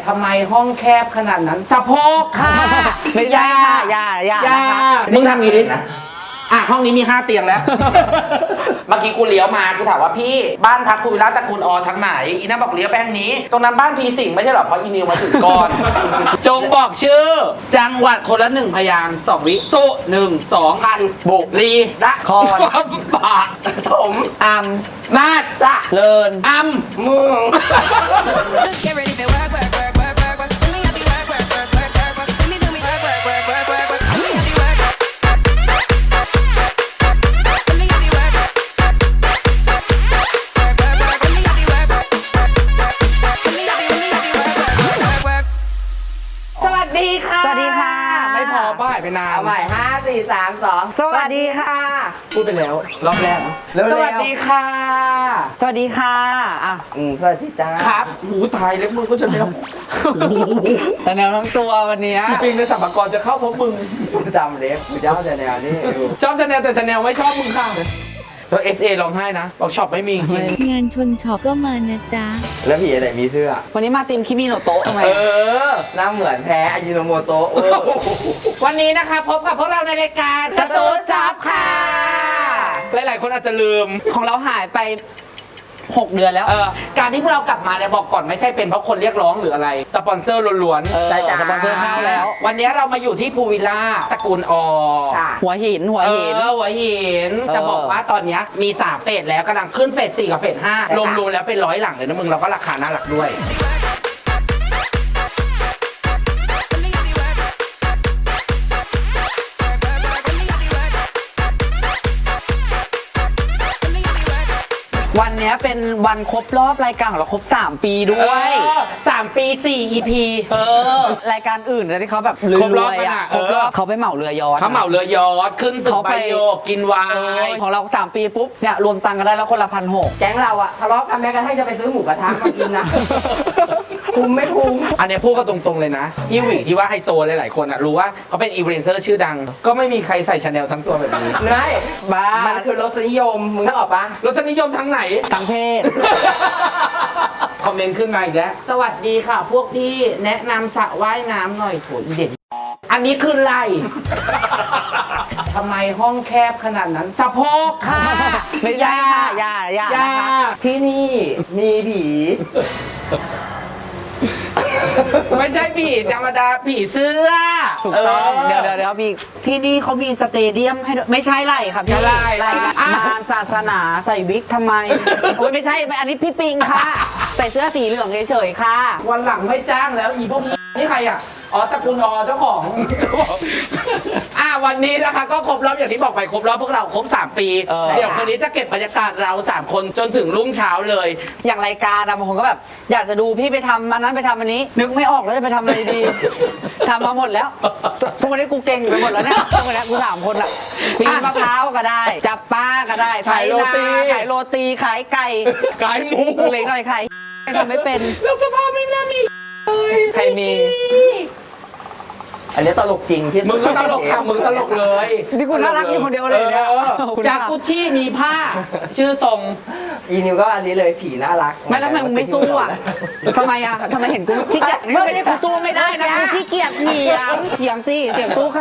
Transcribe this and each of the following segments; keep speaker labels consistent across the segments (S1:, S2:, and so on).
S1: ทำไมห้องแคบขนาดนั้นสะโพกค่ะ
S2: ไม่ใช่ค่ะอย่า
S1: มึงทำอย่างนี้ดิห้องนี้มี5เตียงแล้ว เมื่อกี้กูเลี้ยวมากูถามว่าพี่บ้านพักภูวิลล่าตระกูลอทางไหนอีน่าบอกเลี้ยวไปทางนี้ตรงนั้นบ้านพีสิงห์ไม่ใช่หรอเพราะอีนิวมาถึงก่อน จงบอกชื่อจังหวัดคนละ1พยางค์2 วิสุ1 2พันบุรีละครปากถมอัมนาดละ
S2: เลิน
S1: อัมมึง
S3: Get ready for work, work, work, work, work, work. Let me have you work, work, work, work, work, work. Let me do me work, work, work, work, work, work. Let me have you work. Let me have you work. Work, work, work. Let me have you work. Let me have you work, work, work, work.
S1: สวัสดีค่ะ
S2: สวัสดีค่ะ
S1: ไม่พอป้าหายไปนาน
S4: เอาใหม่5 4 3 2
S2: สวัสดีค่ะ
S1: พูดไปแล้วรอบแรก
S4: เร็วๆ
S1: สวัสดีค่ะ
S2: สวัสดีค่ะอ่ะ
S4: สวัสดีจ้า
S1: ครับหูตายเล็บมือก็จะไม่ต้อง
S2: แต่แนวทั้งตัววันนี้
S1: ปิงในสัมภากรจะเข้าเพราะมึง
S4: กูจำเล็บกูเจ้าแต่แนวนี้ดู
S1: ชอบชาแนลแต่ชาแนลไม่ชอบมึงค่ะแล้ว SA ร้องไห้นะบอกช็อปไม่มีจริง
S5: งานชนช็อปก็มานะจ๊ะ
S4: แล้วผีอะไรมีเสื้อ
S2: วันนี้มาทีมคิมิโนโตะทำไม
S1: เออ
S4: หน้าเหมือนแพ้อายิโนโมโตะ
S1: วันนี้นะคะพบกับพวกเราในรายการสตูดจับค่ะ หลายๆคนอาจจะลืม
S2: ของเราหายไป 6 เดือนแล้ว
S1: การที่พวกเรากลับมาเนี่ยบอกก่อนไม่ใช่เป็นเพราะคนเรียกร้องหรืออะไร สปอนเซอร์ล้วน
S2: ใช่จ้ะสปอนเซอร์เข้าแล้ว
S1: วันนี้เรามาอยู่ที่ภูวิลล่าตระกูลอ
S4: ค่ะ
S2: หัวหิน
S1: หัวหินจะบอกว่าตอนนี้มี3เฟสแล้วกำลังขึ้นเฟส4กับเฟส5รวมๆแล้วเป็น100 หลังเลยนะมึงเราก็ราคาน่ารักด้วย
S3: Let me have you work. Work, work, work. Let me have you work. Let me have you work.
S2: วันนี้เป็นวันครบรอบรายการของเราครบ 3 ปีด้วย
S1: 3 ปี 4 EP
S2: รายการอื่นที่เขาแบบร
S1: ครบรอบ
S2: วย
S1: กัน
S2: ๆ
S1: อะ
S2: ครบรอบเขาไปเหมาเรือยอชต์
S1: เขาเหมาเรือยอชต์ขึ้นตึก
S2: เขา
S1: ไบ
S2: ไป
S1: โอกินไวาย
S2: ของเรา 3 ปีปุ๊บเนี่ยรวมตังค์กันได้แล้วคนละ1,600
S4: แก๊งเราอะทะเลาะกันแม้กระทั่งจะไปซื้อหมูกระทะมากินนะ คุ้มไม่คุ้ม
S1: อันเนี้ยพูดกันตรงๆเลยนะอีหวีที่ว่าไฮโซหลายๆคนอะรู้ว่าเขาเป็นอีเวนเซอร์ชื่อดัง ก็ไม่มีใครใส่ชาแนลทั้งตัวแบบนี้
S4: ไม่
S2: บ้า
S4: มันคือรสนิยม มึงนึกออกปะ
S1: รสนิยมทั้งไหน
S2: ทั้งเพศ
S1: คอมเมนต์ขึ้นมาอีกแล้วสวัสดีค่ะพวกพี่แนะนำสระว่ายน้ำหน่อยโถอีเด็ดอันนี้คืออะไร ทำไมห้องแคบขนาดนั้นสะโพกค่ะ
S2: ไม่ใช่ค่ะอย่า
S1: อย่า
S4: ที่นี่มีผี
S1: ไม่ใช่ผีธรรมดาผีเสื้อ
S2: ถูกต้องเดี๋ยวมีที่นี่เขามีสเตเดียมให้ด้วยไม่ใช่ไรครับพี่
S1: อะไร
S2: งานศาสนาใส่วิกทำไมโอ้ยไม่ใช่อันนี้พี่ปิงค่ะ ใส่เสื้อสีเหลืองเฉยๆค่ะ
S1: วันหลังไม่จ้างแล้วอีพวกนี้นี่ใครอ่ะอ๋อตระกูลอเจ้าของ วันนี้นะคะก็ครบรอบอย่างที่บอกไปครบรอบพวกเราครบ3 ปี เดี๋ยววันนี้จะเก็บบรรยากาศเรา3 คนจนถึงรุ่งเช้าเลย
S2: อย่างรายการบางคนก็แบบอยากจะดูพี่ไปทำอันนั้นไปทำอันนี้ นึกไม่ออกแล้วจะไปทำอะไรดี ทำมาหมดแล้วทุกวันนี้กูเก่งอยู่ไปหมดแล้วเนี่ยทุกวันนี้กู3 คนละปีนมะพร้าวก็ได้ จับปลาก็ได้
S1: ขายโรตี
S2: ขายโรตีขายไก่
S1: ขายหมู
S2: เล็กหน่อยขายทำไม่เป็น
S1: แล้วสภาพไม่น่ามีเลย
S2: ใครมี
S4: อันนี้ตลกจริงที่สุด
S1: มึงก็ตลกค่ะมึงตลกเลย
S2: นี่กูน่ารักอยู่คนเดียวเลยเนี่ย
S1: จากกุชชี่มีผ้า ชื่อทรง
S4: อีนิวก็อันนี้เลยผีน่ารัก
S2: ไม่แล้วทำไมมึงไม่สู้อ่ะทำไมอ่ะทำไมเห็นกูขี้เกียจไม่ได้กูสู้ไม่ได้นะกูขี้เกียจเถียงสิเถียงสู้เขา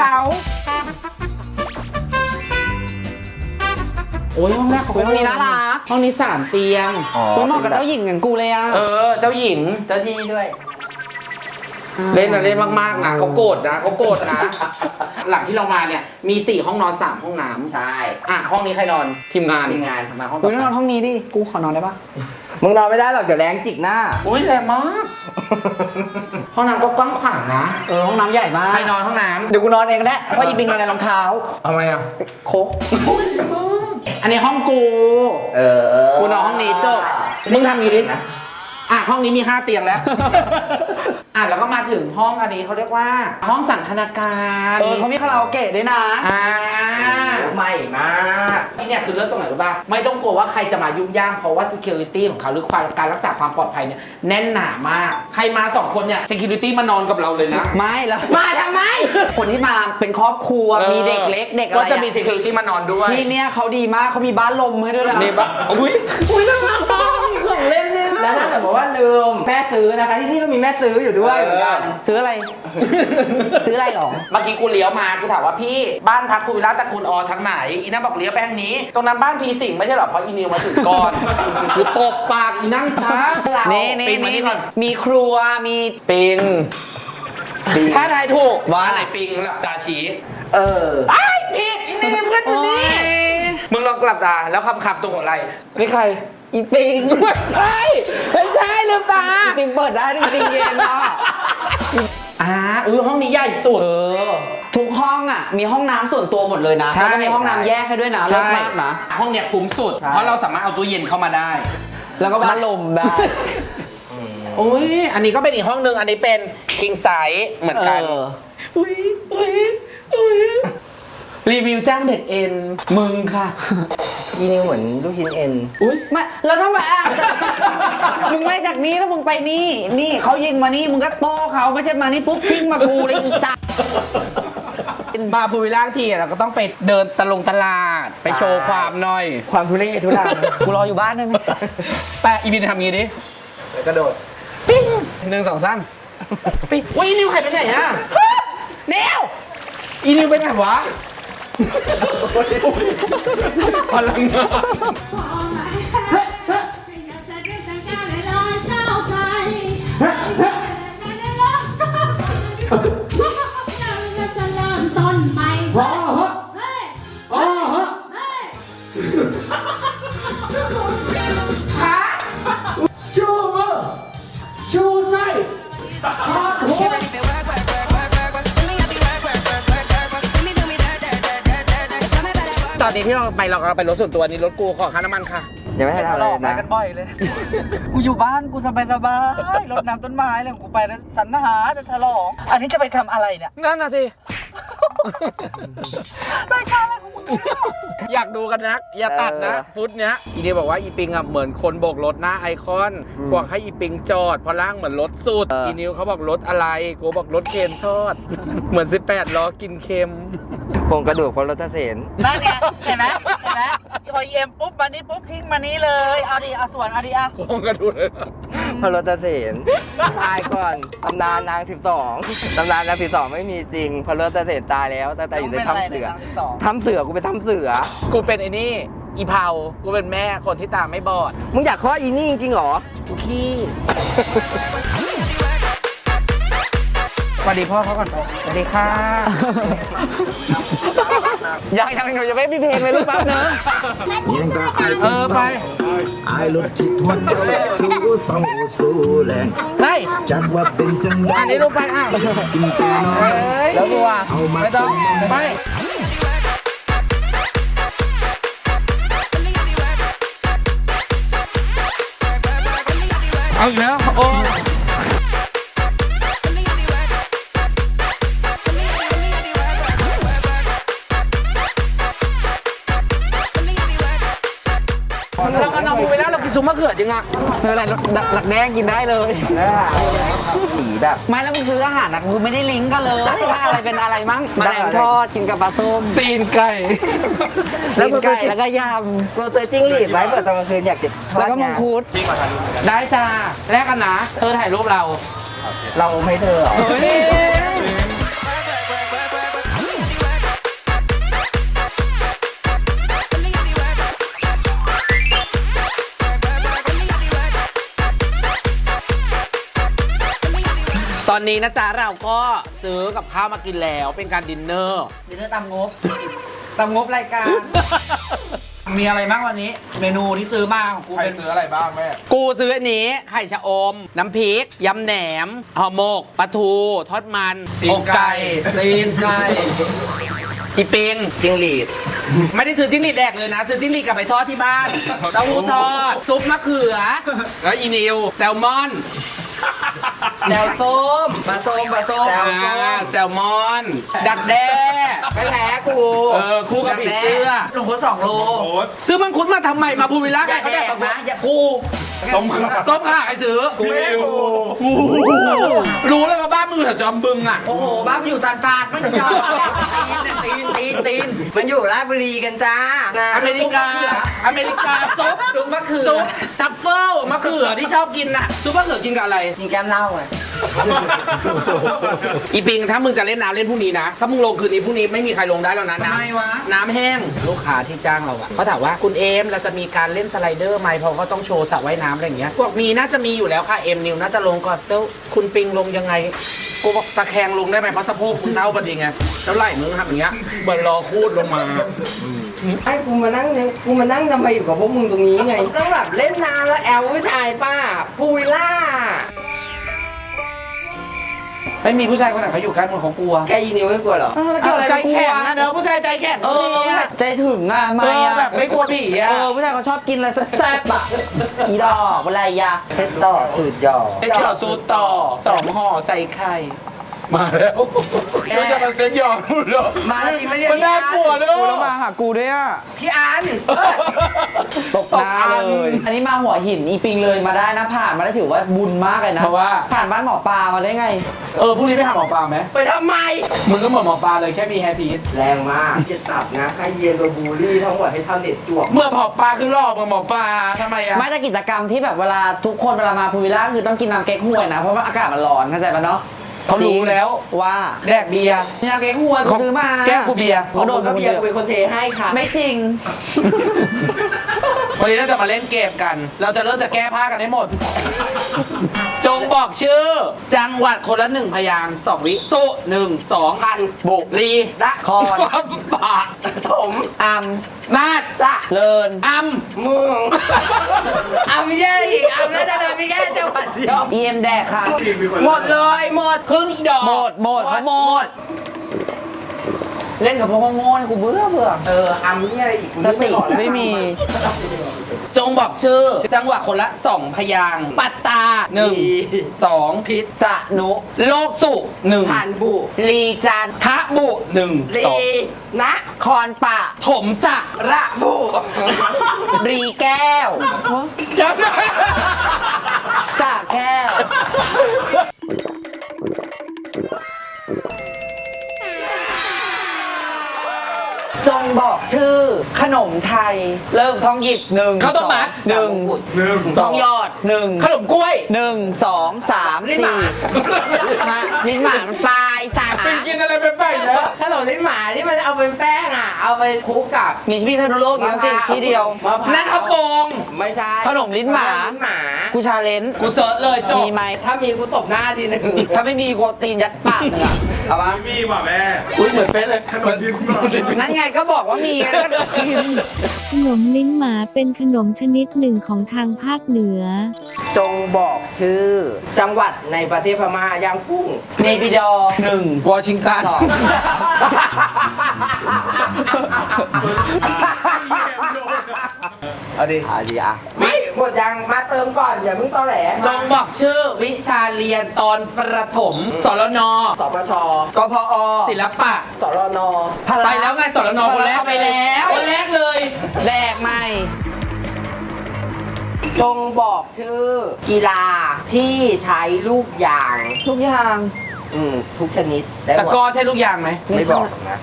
S1: โอ้ยห้องแรกของ
S2: ห้องนี้น่ารัก
S1: ห้องนี้3 เตียง
S2: กูเหมาะกับเจ้าหญิงอย่างกูเลยอ่ะ
S1: เจ้าหญิง
S4: เจ้าที่ด้วย
S1: เล่นนะเล่นมากๆนะเขาโกรธนะ หลังที่เรามาเนี่ยมี4 ห้องนอน3 ห้องน้ำ
S4: ใช่
S1: ห้องนี้ใครนอนทีมงาน
S4: ทีมงาน
S1: มาห้อง
S2: กูนอนห้องนี้ดิกูขอนอนได้ปะ
S4: มึงนอนไม่ได้หรอกเดี๋ยวแรงจิกหน้า
S1: อุ้ยแรงมาก ห้องน้ำก็กว้างขวางนะ
S2: ห้องน้ำใหญ่มาก
S1: ใครนอนห้องน้ำ
S2: เดี๋ยวกูนอนเองก็ได้เพราะอีปิงนอนในรองเท้า
S1: ทำไมอ่ะ
S2: โคก
S1: อันนี้ห้องกู กูนอนห้องนี้จบมึงทำอย่างนี้ดิห้องนี้มี5 เตียงแล้ว แล้วก็มาถึงห้องอันนี้เขาเรียกว่า ห้องสันทนาการ
S2: เขามีคาราโอเกะด้วยนะ
S4: ใหม่มาก
S1: ที่เนี่ยคือเรื่องตรงไหนรู้ป่ะไม่ต้องกลัวว่าใครจะมายุ่งย่ามเพราะว่า security ของเขาหรือการรักษาความปลอดภัยเนี่ยแน่นหนามาก ใครมา2 คนเนี่ย security มานอนกับเราเลยนะ
S2: ไม่แล้ว
S4: มาทำไม
S2: คนที่มาเป็นครอบครัวมีเด็กเล็กเด็กอะไร
S1: ก็จะมี security มานอนด้วย
S2: ที่เนี่ยเขาดีมากเขามีบ้านลมให้ด้วยนะ
S1: นี่ปะอุ้ยน่ารักมากมีของเล่นเนี่ย
S4: แล้วถ้าสมมติว่าลืมแม่ซื้อนะคะ ที่นี่ก็มีแม่ซื้ออยู่ด้วยเหมือนกัน
S2: ซื้ออะไร ซื้ออะไรหรอ
S1: เมื่อกี้กูเลี้ยวมากูถามว่าพี่บ้านพักภูวิลล่าตระกูลอทางไหนอีนั่นบอกเลี้ยวไปทางนี้ ตรงนั้นบ้านพีสิงห์ไม่ใช่หรอเพราะอีนิวมาถึงก่อนกูตบปากอีนั่งช้า
S2: นี่
S1: ปิงมานี่ก่อน
S2: มีครัว มี
S1: ปิงถ้าทายถูก
S2: ว่า
S1: อะไรปิงหลับตาชี้
S4: เออ
S1: ไอ้ายผิดอีนี่เป็นเพื่อนคนนี้มึงลองหลับตาแล้วคำตรงหัวไหล่นี่ใคร
S2: อีปิง
S1: ไม่ใช่ลืมตา
S2: อีปิงเปิดได้อีปิงเย็นเนาะ
S1: ห้องนี้ใหญ่สุด
S2: ทุกห้องอ่ะ มีห้องน้ำส่วนตัวหมดเลยนะ
S1: ใช่
S2: แล้วก็มีห้องน้ำแยกให้ด้วยนะเลิศมากนะ
S1: ห้องเนี้ยคุ้มสุด
S4: ใช่
S1: เพราะเราสามารถเอาตู้เย็นเข้ามาได้
S2: แล้วก็พัดลมได้
S1: โอ้ยอันนี้ก็เป็นอีกห้องนึง อันนี้เป็น king size เหมือนกัน อุ้ยรีวิวจ้างเด็กเอ็น มึงค่ะ
S4: อีนิวเหมือนลูกชิ้นเอ็น
S1: อุ้ย
S2: ไม่แล้วทำไมอ่ะ มึงไม่จากนี้แล้วมึงไปนี่ นี่เขายิงมานี่มึงก็โต้เขาไม่ใช่มานี่ปุ๊บทิ้งมากูเลยอีสัตว์
S1: มาภูวิลล่าทีเราก็ต้องไปเดินตลาด ไปโชว์ความหน่อย
S4: ความทุเรศทุรัง
S2: กูรออยู่บ้านได้ไหม
S1: แปะอีบินทำงี้ดิ
S4: แล้วกระโดด
S1: ปิ้ง1 2 3ปิ้งว้ยอีนิวหายไปไหนอะเนวอีนิวไปไหนวะพลังงาน
S3: ชูมือชูไส้ Get ready for work, work, work, work, work, work. Do me happy work, work, work, work, work, work. Do me dirt, dirt, dirt, dirt, dirt, dirt. Show me better work.
S1: ตอนนี้ที่เราไปรถส่วนตัวนี้รถกูขอค่าน้ำมันค่ะ
S4: ยังไม่ได้ทำอะไรเลยนะ
S2: กันบ่อยเลย กูอยู่บ้านกูสบายรดน้ำต้นไม้เลยกูไปแล้วสรรหาจะฉลอง อันนี้จะไปทำอะไรเนี่ย
S1: นั่นน่ะสิ
S2: รายการอะไรของมึง
S1: อยากดูกันนัก อย่าตัดนะ ฟุตเนี้ยอีเดียบอกว่าอีปิงอ่ะเหมือนคนโบกรถหน้าไอคอนบอกให้อีปิงจอดเพราะร่างเหมือนรถสุด อีนิวเขาบอกรถอะไรกูบอกรถเค็มทอด เหมือน18ล้อกินเค็ม
S4: โครงกระดูกพลรถเสน
S2: นั่นไงเห็นไหมพอเอ็มปุ๊บมานี้ปุ๊บทิ้งมานี้เลย เอาดิเอาส่วนเอาดิอ่ะ
S1: โครงกระดูกเลย
S4: พลรถเสนตายก่อนตำนานนาง12ตำนานนาง12ไม่มีจริงพลรถเสนตายแล้วตั้งแต่อยู่ในถ้ำเสือถ้ำเสือกูไปถ้ำเสือ
S1: กูเป็นไอ้นี่ อีเผากูเป็นแม่คนที่ตาไม่บอด
S4: มึงอยากคลอดอีนี่จริงๆเหรอ
S1: กูขี้สวัสดีพ่อเขาก่อนไปสวัสดีค่ะ
S2: ยังจะไม่มีเพลงเลยลูกแป๊บนึง
S1: ไป
S6: ไอ้รถคิดฮอดเจ้าสู้สองสู้แรง
S1: เฮ้ย
S6: จักว่าเป็นจังได
S1: อันนี้ลูกไปอ่ะ
S6: กินแต่น้อย
S1: แล้วตัว
S6: เอามา
S1: ไม่ต้องไป เอาอีกแล้วโอ้เราก็นอนไปแล้วเรากินซุปมะเขือจริงอ่ะ
S2: ไม่เป็นไรหลักแดงกินได้เลย
S4: ผีแบบ
S2: ไม่แล้วมึงซื้ออาหารนะมึงไม่ได้ลิงก์กันเลยว่าอะไรเป็นอะไรมั้งแมลงทอดกินกับปลาส้ม
S1: ตีนไก่
S2: ตีนไก่แล้วก็ย
S4: กูเจอจิ้งหรีดไว้เปิดตอนกลางคืนอยากจะท
S2: ำ
S4: อ
S2: แล้ว
S4: ด
S2: ก็มัง
S4: งาน
S2: คุด
S1: ได้จ้าแลกกันนะเธอถ่ายรูปเรา
S4: เราไม่เธอเหรอ
S1: ตอนนี้นะจ๊ะเราก็ซื้อกับข้าวมากินแล้วเป็นการดินเนอร์
S2: ดินเนอร์ตามงบ ตามงบรายการ มีอะไรบ้างวันนี้ เมนูที่ซื้อมาของกูเป็น
S1: กูซื้ออันนี้ไข่ชะอม น้ำพริกยำแหนมห่อหมกปลาทู ทอดมันอกไก่
S2: ตีนไก่
S1: อีปิง
S4: จิ้งหรีด
S1: ไม่ได้ซื้อจิ้งหรีดแดกเลยนะ ซื้อจิ้งหรีดกลับไปทอดที่บ้านเต้าหู้ทอด ซุปมะเขือ แล้วอีนิวแซลมอน
S4: แซวส้ม
S2: ปลาส้ม
S4: แซว
S1: แซลมอน ดักแด้
S4: ไม่แพ้กู
S1: คู่กับผีเสื้อ
S2: ลงโค2 โล
S1: ซื้อมังคุดมาทำไมมาภูวิลล่า
S2: อย่า
S1: เขา
S2: แด
S1: แด
S2: ก
S1: ก
S2: นะอย่ากู
S1: ต้มข่าใครซื้อ
S4: ไม่ได้กู
S1: รู้เลยว่าบ้านมึงแถวจอมบึงอ่ะ
S2: โอ้โหบ้าไปอยู่ซานฟรานไม่ยอมตีน
S4: มันอยู่ราชบุรีกันจ้า
S1: อเมริกาซุป
S2: ซุปมะเขือ
S1: ซุปทัฟเฟิลมะเขือที่ชอบกินน่ะซุปมะเขือกินกับอะไร
S4: กินแก้มเหล้าไง
S1: อีปิงถ้ามึงจะเล่นน้ำเล่นพรุ่งนี้นะ ถ้ามึงลงคืนนี้พรุ่งนี้ไม่มีใครลงได้แล้วนะ
S2: ทำไมวะ
S1: น้ำแห้งลูกค้าที่จ้างเราอะเขาถามว่าคุณเอมเราจะมีการเล่นสไลเดอร์ไหมเพราะเขาต้องโชว์สระว่ายน้ำอะไรอย่างเงี้ยพวกมีน่าจะมีอยู่แล้วค่ะเอ็มนิวน่าจะลงก่อนแล้วคุณปิงลงยังไงกูบอกตะแคงลงได้ไหมเพราะสะโพกมึงเท่าพอดีไงแล้วไหล่มึงทำอย่างเงี้ยเหมือนรอคูดลงมา
S4: ไอ้กูมานั่งทำไมอยู่กับพวกมึงตรงนี้ไง ต้องแบบเล่นน้ำแล้วแอลผู้ชายป้าพูวิลล่า
S1: ไม่มีผู้ชายคนไหนเขาอยู่ใกล้มึงเขากลัว
S4: แกยีนิวไม่กลัวเหรอ
S1: ใจแข็งนะเนอะผู้ชายใจแข็ง
S2: เออใจถึงอ่ะไม่
S1: เออ
S2: อ่ะ
S1: แบบไม่กลัวผีอะ
S2: ผู้ชายเขาชอบกินอะไรแซ่บๆอ่ะอีดอกอะไรยะ
S4: เซ็ตต่อสูตรหยอก
S1: เซ็ตหยอดสูตรต่อ2 ห่อใส่ไข่มาแล้วก็จะมาเซ็ตหยอดพูดหรอ
S4: มาจริงไหมเนี่ย
S1: มันน่ากลัวเนอะ
S2: กูแล้วมาหากูด้วยอ่ะ
S4: พี่อัน
S2: ตกน้าเลย อันนี้มาหัวหินอีปิงเลยมาได้นะผ่านมาได้ถือว่าบุญมากเลยนะ
S1: เพราะว่า
S2: ผ่านบ้านหมอปลามาได้ไง
S1: พรุ่งนี้ไปหาหมอปลาไหม
S4: ไปทำไม
S1: มึงก็เหมือนหมอปลาเลยแค่มีแฮร์พีท
S4: แรงมากจะตับนะให้เย็นโดนบูลลี่ทั้งหมดให้ทำเน็ตจวก
S1: เมื่อหมอปลาคือหลอกหมอปลาทำไมอะ
S2: ไม่แต่กิจกรรมที่แบบเวลาทุกคนเวลามาพูวิลล่าคือต้องกินน้ำเก๊กฮวยนะเพราะว่าอากาศมันร้อนเข้าใจปะเนาะ
S1: เขารู้แล้ว
S2: ว่า
S1: แดกเบียร์
S2: น้ำเก๊กฮวยกูซื้อมา
S1: แก้วกูเบียร์
S4: โดนก็เบียร์กูเป็นคนเทให้ค่ะ
S2: ไม่จริง
S1: วันนี้เราจะมาเล่นเกมกัน เราจะเริ่มจากแก้ผ้ากันให้หมด จงบอกชื่อ จังหวัดคนละ1 พยางค์2 วิสุ1 2
S4: พัน
S2: บุก
S1: รี
S4: ละ
S2: คอน
S1: ความปาก
S4: ถม
S2: อัม
S1: นาด
S4: ละ
S2: เลิน
S1: อัม
S4: มึงเอาไม่ใช่อีกเอาแล้วจะเลยไม่แค่จังหวัดเดียว
S2: เอ็มแดกค่ะ
S4: หมดเลยหมด
S1: ครึ่งอีดอก
S2: หมดเขาหมด เล่นกับพวกโง่ๆเนี่ยกูเบื่อ
S4: อัมนี่อะไรอีกกู
S2: ส
S4: นึก
S2: ติ
S4: ออกแล้ว
S2: ไม่มี
S1: จงบอกชื่อ จังหวัดคนละ2 พยางค์ปัตตา
S4: ดี
S1: 1 2
S4: พิษ
S2: สะนุ
S1: โลกสุ
S4: ผ่านบุ
S2: ลีจันทร์
S1: 1ทะบุ1
S4: ลีนะ
S2: คอนปะ
S1: ถมสะ
S4: ระบุ
S2: รีแก้ว
S1: จำได้
S2: สะแก้ว จงบอกชื่อ ขนมไทย เริ่มท้องหยิบหนึ่ง
S1: ข้าวต้มมัด
S2: หนึ่ง
S1: ทองหยอด
S2: หนึ่ง
S1: ขนมกล้วย
S2: 1 2 3 4 5ลิ้นหมามันปลายสา
S1: เป็นกินอะไรไปๆแล้ว
S4: ขนมลิ้นหมาที่มันเอาเป็นแป้งอ่ะ เอาไปคลุกกับ
S2: มีที่พิษณุโลกอยู่สิที่เดียว
S4: มะพร้าว
S1: นั่นข้าวโปง
S4: ไม่ใช่
S2: ขนมลิ้นหมา
S4: ลิ้นหมา
S2: กูชาเลนจ์
S1: กูเซิร์ชเลยจบ
S2: มีไหม
S4: ถ้ามีกูตบหน้าทีหนึง
S2: ถ้าไม่มีกูตีนยัดปากมึงอะเอาปะ
S7: มีว่ะแม่
S1: อุ้ยเหมือนเป๊ะเลยขนม
S2: นั่นไงก็บอกว่ามีไงแล้วก็กิน
S5: ขนมลิ้นหมาเป็นขนมชนิดหนึ่งของทางภาคเหนือ
S4: จงบอกชื่อ จังหวัดในประเทศพม่าย่างกุ้ง
S2: เนปิดอร์หนึ่ง
S1: วอชิงตัน
S4: สอง
S2: เอาดิ
S4: อ่ะไม่หมดยังมาเติมก่อนอย่าเพิ่งตอแหล
S1: จงบอกชื่อวิชาเรียนตอนประถมสรน
S4: สปช
S2: กพอ
S1: ศิลปะ
S4: สรน
S1: ไปแล้วไงสรนคนแรก
S2: ไปแล้ว
S1: คนแรกเลย
S2: แดกใหม่
S4: จงบอกชื่อ กีฬาที่ใช้ลูกยาง
S2: ทุกอย่าง
S4: ทุกชนิดได้ห
S1: ตะ
S4: มด
S1: กร้อใช่ลูกยางไหม
S4: ไม่บอกนะ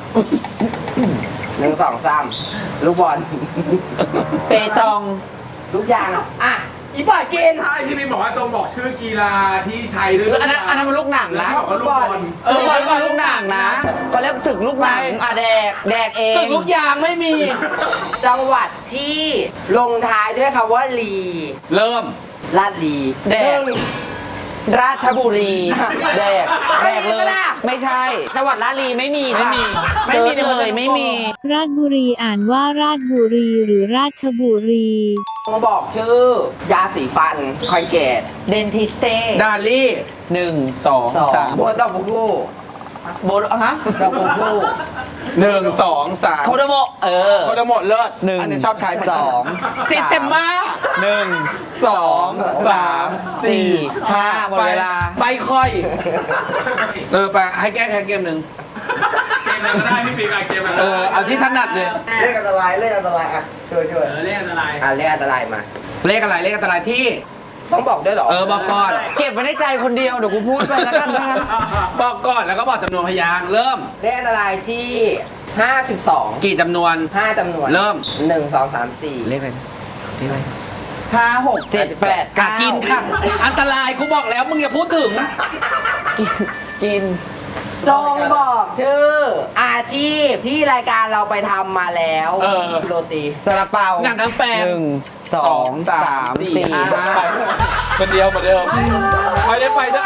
S4: 1 2 3ลูกบอล
S2: เปตอง
S4: ลูกยางอ่ะอีปล่อยกิน
S7: ใช่ที่พี่บอกว่าตรงบอกชื่อกีฬาที่ใช้ด้วย
S2: อันนั้นมันลูกหนัง
S7: แล้ว
S2: นะ
S7: บอกว่าลูกบอล
S2: ลูกบอลก็ลูกหนังนะเขาเรียกศึกลูกหนังอ่ะแดกเอง
S1: สึกลูกยางไม่มี
S4: จังหวัดที่ลงท้ายด้วยคำว่าลี
S1: เริ่ม
S4: ลาดลี
S2: แดก
S4: หนึ่ง
S2: ราชบุรีแดกเลย
S4: ไม่ได้
S2: ไม่ใช่จังหวัดราชบุรีไม่มี
S1: ไม่มี
S2: ไม่มี
S1: ใน
S2: เล
S1: เมือง
S2: ยไม่มี
S5: ราชบุรีอ่านว่าราชบุรีหรือราชบุรี
S4: มาบอกชื่อ ยาสีฟันคอยเกต
S2: เดนทิสเต้
S1: ดาลี่
S2: หนึ่ง
S1: 2 3
S4: โบนดอกบุกู
S2: โบดฮะ
S4: ดอกบุกู
S1: 1 2 3
S2: โคโดโมะ
S1: โคตรหมดเลิศ
S2: หนึ่ง
S1: อันนี้ชอบใช้
S2: สอง
S1: ซิสเต็มมา
S2: หนึ่ง
S1: 2 3 4
S2: 5หมดเวลา
S1: ไปค่อย ไปให้แก้เกมหนึ่ง
S7: เกมอะไรก็ได้พี่ปีกเกมอะไร
S1: เอาที่ถนัดเลย
S4: เลขอันตรายอ่ะช่วย
S7: เล่นอะไร
S4: อ่ะเลขอันตรายมา
S1: เลขอะไรเลขอันตรายที่
S4: ต้องบอกด้วยเหรอ
S1: บอกก่อน
S2: เก็บไว้ในใจคนเดียวเดี๋ยวกูพูดไปแล้วกันนะ
S1: บอกก่อนแล้วก็บอกจำนวนพยางค์เริ่ม
S4: เลขอันตรายที่ 52
S1: กี่จำนวน
S4: 5จำนวน
S1: เริ่ม
S4: 1 2 3 4
S1: เลขอะไรเลขอะไร
S2: 5 6 7 8
S1: กากินค่ะ อันตรายกูบอกแล้วมึงอย่าพูดถึง
S2: กิน
S4: จงบอกชื่อ อาชีพที่รายการเราไปทำมาแล้ว โรตี
S2: ซาลาเปา
S1: หนังทั้งแปลง
S2: 1 2 3 4 5
S1: คนเดียวเหมือนเดิมไม่ได้ไปด้วย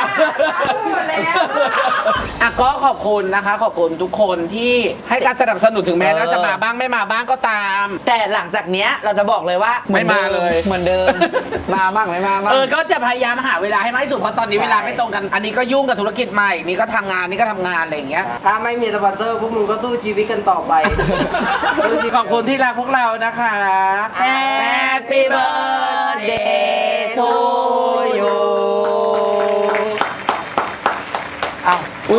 S1: อ่ะก็ขอบคุณนะคะ ขอบคุณทุกคนที่ให้การสนับสนุนถึงแม้ว่าจะมาบ้างไม่มาบ้างก็ตาม
S2: แต่หลังจากเนี้ยเราจะบอกเลยว่า
S1: ไม่มาเลย
S2: เหมือนเดิม มาบ้างไม่มาบ้าง
S1: ก็จะพยายามหาเวลาให้มากที่สุดเพราะตอนนี้เวลาไม่ตรงกัน อันนี้ก็ยุ่งกับธุรกิจใหม่นี่ก็ทำงานนี่ก็ทำงานอะไรอย่างเงี้ย
S4: ถ้าไม่มีสปอนเซอร์พวกมึงก็สู้ชีวิตกันต่อไป
S1: ขอบคุณที่รักพวกเรานะคะ
S2: Happy birthday to you
S1: อ้าวอุ้ย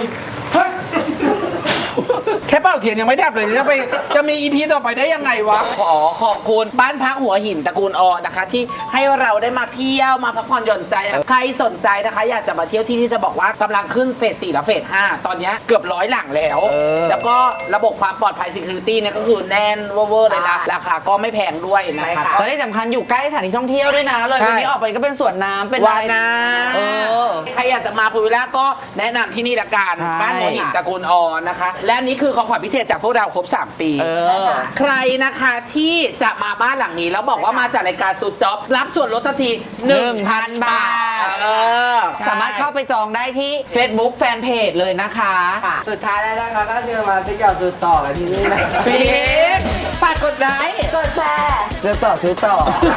S1: แค่เป่าเทียนยังไม่ดับเลยจะมีอีพีต่อไปได้ยังไงวะ ขอขอบคุณบ้านพักหัวหินตระกูลอนะคะ ที่ให้เราได้มาเที่ยวมาพักผ่อนหย่อนใจ ใครสนใจนะคะ อยากจะมาเที่ยวที่นี่จะบอกว่ากำลังขึ้นเฟส 4 และเฟส 5 ตอนนี้เกือบ100 หลังแล้ว แล้วก็ระบบความปลอดภัย security เนี่ยก็คือแน่นเวอร์เลยนะราคาก็ไม่แพงด้วยนะคะ
S2: และที่สำคัญอยู่ใกล้สถานที่ท่องเที่ยวด้วยนะเลย
S1: ใช่
S2: วันนี้ออกไปก็เป็นสวนน้ำเป็น
S1: วานา
S2: เออ
S1: ใครอยากจะมาพูวิลล่าก็แนะนำที่นี่ละกัน
S2: ใช่
S1: บ้านหัวหินตระกูลอนะคะ และอันนี้คือของขวัญพิเศษจากพวกเราครบ 3 ปี
S2: เออ
S1: ใครนะคะที่จะมาบ้านหลังนี้ แล้วบอกว่ามาจากรายการซูจ็อบรับส่วนลดทันที 1,000 บาท
S2: สามารถเข้าไปจองได้ที่ Facebook Fanpage เลยนะคะ
S4: สุดท้ายแล้วนะคะก็เชิญมาที่ยอดสุดต่อกันที่นี่นะ
S1: ฟิกฝากกดไลค์
S4: กดแชร์
S2: ซื้อต่อ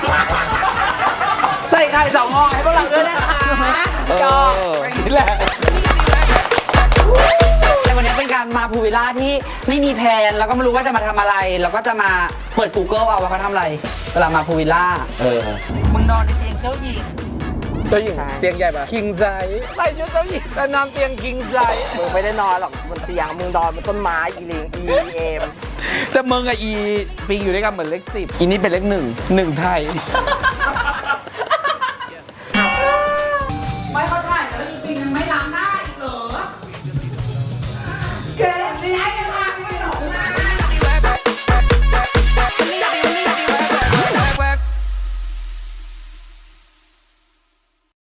S1: ใส่ไข่2 ห่อให้พวกเราด้วยนะคะจอกอย่างนี้แหละ
S2: แต่วันนี้เป็นการมาพูวิลล่าที่ไม่มีแผนแล้วก็ไม่รู้ว่าจะมาทำอะไร แล้วก็จะมาเปิด Google เอาว่าเขาทำอะไรเวลามาพูวิลล่ามึงนอนในเตียงเจ้าหญิง
S1: เจ้าหญิงเตียงใหญ่ปะคิงไซส์ใส่ชุดเจ้าหญิงแต่นอนเตียงคิงไซส์
S4: มึงไม่ได้นอนหรอกบนเตียงมึงนอนบนต้นไม้อีลิงเอม
S1: แต่มึงกับอีปิงอยู่ด้วยกันเหมือนเลข 10อีนี่เป็นเลข 1 1 ไทย